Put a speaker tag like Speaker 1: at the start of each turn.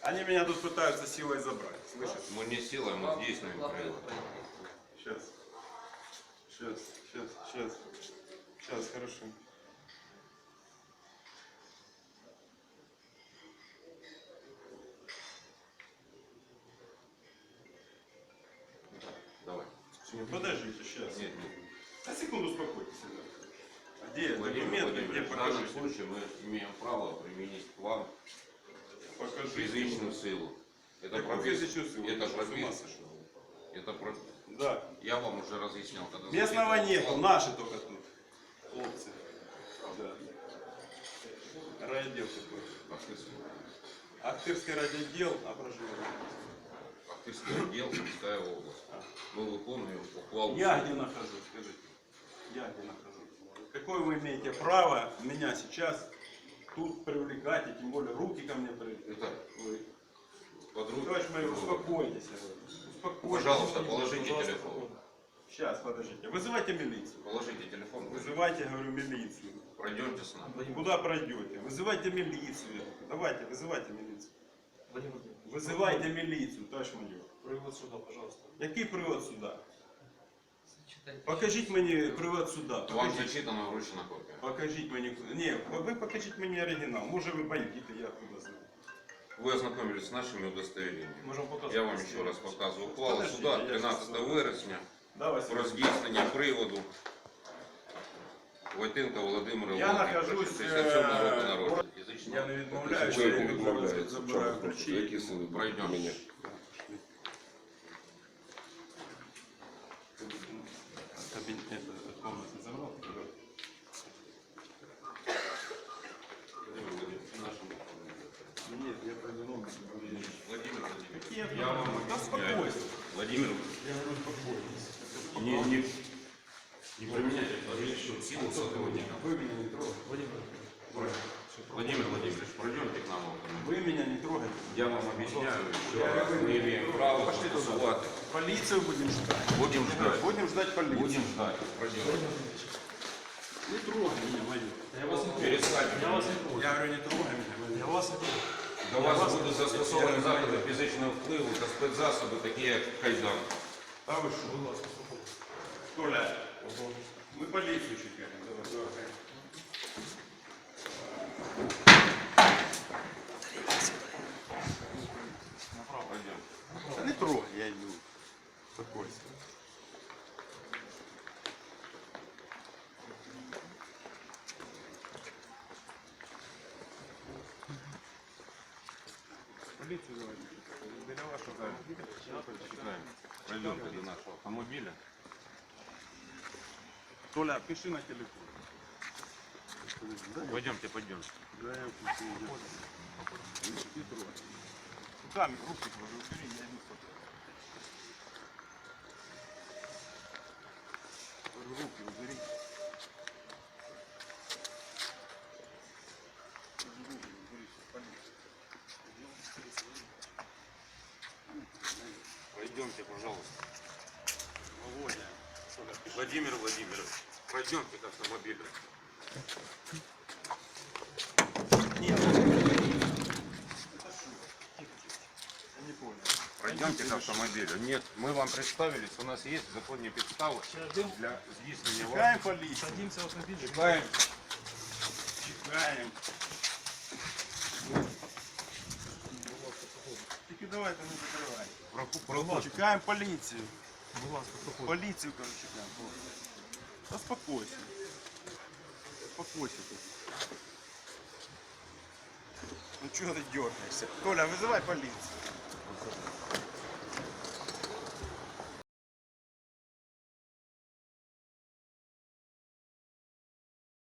Speaker 1: Они меня тут пытаются силой забрать, слышишь?
Speaker 2: Мы не силой, мы действуем правильно.
Speaker 1: Сейчас, хорошо.
Speaker 2: Давай.
Speaker 1: Подождите, сейчас.
Speaker 2: Нет.
Speaker 1: На секунду успокойтесь. А где
Speaker 2: Владимир
Speaker 1: документы, где
Speaker 2: Владимирович, в данном
Speaker 1: покажите?
Speaker 2: случае мы имеем право применить к вам физическую силу. Это
Speaker 1: физическую силу?
Speaker 2: Это
Speaker 1: Ты что, с ума
Speaker 2: прописано.
Speaker 1: сошел?
Speaker 2: Это про...
Speaker 1: Да.
Speaker 2: Я вам уже разъяснял, когда...
Speaker 1: Местного нету, наши только тут. Хлопцы. Да. Райотдел такой. Ахтырский райотдел, а проживание.
Speaker 2: Ахтырский отдел, Сумская область. Мы выполняем ухвалу.
Speaker 1: Я где нахожусь, скажите? Я где нахожусь? Какое вы имеете право меня сейчас тут привлекать, и тем более руки ко мне привлекать?
Speaker 2: Это
Speaker 1: Вы...
Speaker 2: под руку.
Speaker 1: Товарищ майор, успокойтесь. Успокойтесь.
Speaker 2: Пожалуйста, положите телефон.
Speaker 1: Сейчас, подождите. Вызывайте милицию.
Speaker 2: Положите телефон.
Speaker 1: Вызывайте, говорю, милицию.
Speaker 2: Пройдемте с нами.
Speaker 1: Куда пройдете? Вызывайте милицию. Давайте, вызывайте милицию. Вызывайте милицию, товарищ майор.
Speaker 3: Привод сюда, пожалуйста.
Speaker 1: Який привод суда? Покажіть мені привод суда.
Speaker 2: Вам
Speaker 1: Покажіть.
Speaker 2: зачитана вручена копія.
Speaker 1: Покажіть мені. Ні, ви покажіть мені оригінал. Може ви бандити, я откуда знаю.
Speaker 2: Вы ознакомились с нашими удостоверениями.
Speaker 3: Можем показать.
Speaker 2: Я вам еще раз показываю. Ухвала
Speaker 1: Подождите,
Speaker 2: суда
Speaker 1: я
Speaker 2: 13
Speaker 1: сейчас-
Speaker 2: вересня
Speaker 1: Давай,
Speaker 2: про здійснення приводу Войтенка Володимира
Speaker 1: Я
Speaker 2: Володимировича,
Speaker 1: нахожусь,
Speaker 2: 67 року народження. Фізично.
Speaker 1: Я не відмовляюся.
Speaker 4: Ви
Speaker 1: я
Speaker 4: не відмовляєтеся.
Speaker 1: забираю
Speaker 4: Чому?
Speaker 1: ключі.
Speaker 4: Які сили
Speaker 2: Пройдемо.
Speaker 4: мене?
Speaker 1: Кабинет, комнату забрал? Нет, я повернул.
Speaker 2: Владимир Владимирович,
Speaker 1: Какие
Speaker 2: я вам
Speaker 1: Да
Speaker 2: объясняю.
Speaker 1: успокойся.
Speaker 2: Владимир,
Speaker 1: Я говорю, успокойтесь.
Speaker 2: не применяйте различную силу сотрудника.
Speaker 1: Вы меня не трогаете.
Speaker 2: Владимир Владимирович, пройдемте к нам. в автомобиль.
Speaker 1: Вы меня не трогаете.
Speaker 2: Я вам объясняю, что мы имеем право застосувати.
Speaker 1: Полицию будем ждать.
Speaker 2: Будем ждать.
Speaker 1: Будем ждать полицию.
Speaker 2: Будем ждать. Пройдем.
Speaker 1: Не трогай меня, майор.
Speaker 3: Я вас не трогаю.
Speaker 2: Перестаньте.
Speaker 3: Я вас не трогаю.
Speaker 1: Я говорю, не трогай меня, майор.
Speaker 3: Я вас не трогаю.
Speaker 2: До вас будуть застосовані заходи фізичного впливу та спецзасоби, такі як кайдан.
Speaker 1: А вы что?
Speaker 3: Будь ласка, слухайте.
Speaker 1: Толя, мы полицию чекаем. Давай, давай.
Speaker 3: Направо.
Speaker 2: Пойдем.
Speaker 1: Да не трогай, я иду. Успокойся. Полицию давай. Для вашего
Speaker 2: Чекаем. Пройдемте до нашего автомобиля.
Speaker 1: Толя, пиши на телефон.
Speaker 2: Пойдемте, пойдемте.
Speaker 1: Да, я пишу. Не трогай. Руками, руки твои убери, я иду фото. Руки убери. Руки убери, полиция.
Speaker 2: Пройдемте, пожалуйста.
Speaker 1: Володя. Толя, пиши.
Speaker 2: Владимир Владимирович, пройдемте к автомобилю.
Speaker 1: Нет. Это что? Я не понял.
Speaker 2: Пройдемте к автомобилю. Нет, мы вам представились, у нас есть законные подставы для здійснення
Speaker 1: Чекаем полицию.
Speaker 3: Садимся в автомобиль.
Speaker 2: Чекаем.
Speaker 1: Чекаем. Тільки давайте не закривай. Чекаем полицию.
Speaker 3: Будь ласка, проходьте.
Speaker 1: Полицию, короче, чекаем. Успокойся. Успокойся ты. Ну чего ты дергаешься? Толя, вызывай полицию.